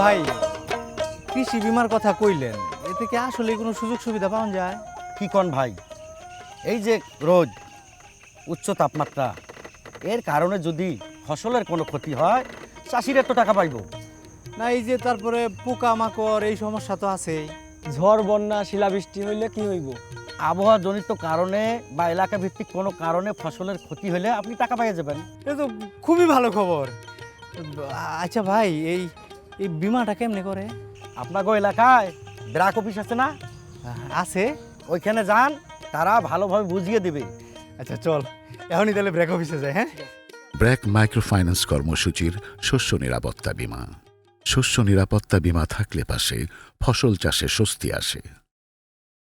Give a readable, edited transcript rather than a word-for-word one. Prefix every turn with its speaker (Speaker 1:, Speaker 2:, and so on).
Speaker 1: ভাই, কৃষি বিমার কথা কইলেন, এতে কি আসলে কোনো সুযোগ সুবিধা পাওয়া যায়?
Speaker 2: কি কন ভাই, এই যে রোদ, উচ্চ তাপমাত্রা, এর কারণে যদি ফসলের কোনো ক্ষতি হয় চাষিরা তো টাকা পাইব।
Speaker 1: না এই যে তারপরে পোকা মাকড় এই সমস্যা তো আছেই।
Speaker 3: ঝড় বন্যা শিলাবৃষ্টি হইলে কি হইব?
Speaker 2: আবহাওয়া জনিত কারণে বা এলাকা ভিত্তিক কোনো কারণে ফসলের ক্ষতি হলে আপনি টাকা পাইয়ে যাবেন।
Speaker 1: এ তো খুবই ভালো খবর। আচ্ছা ভাই, এই এই বিমাটা কেমনে করে?
Speaker 2: আপনাকে এলাকায় ব্রাক অফিস আছে না,
Speaker 1: আছে।
Speaker 2: ওইখানে যান, তারা ভালোভাবে বুঝিয়ে দেবে।
Speaker 1: আচ্ছা চল, এখনই তাহলে ব্রেক অফিসে যাই। হ্যাঁ,
Speaker 4: ব্র্যাক মাইক্রোফাইন্যান্স কর্মসূচির শস্য নিরাপত্তা বীমা। শস্য নিরাপত্তা বীমা থাকলে পাশে ফসল চাষে স্বস্তি আসে।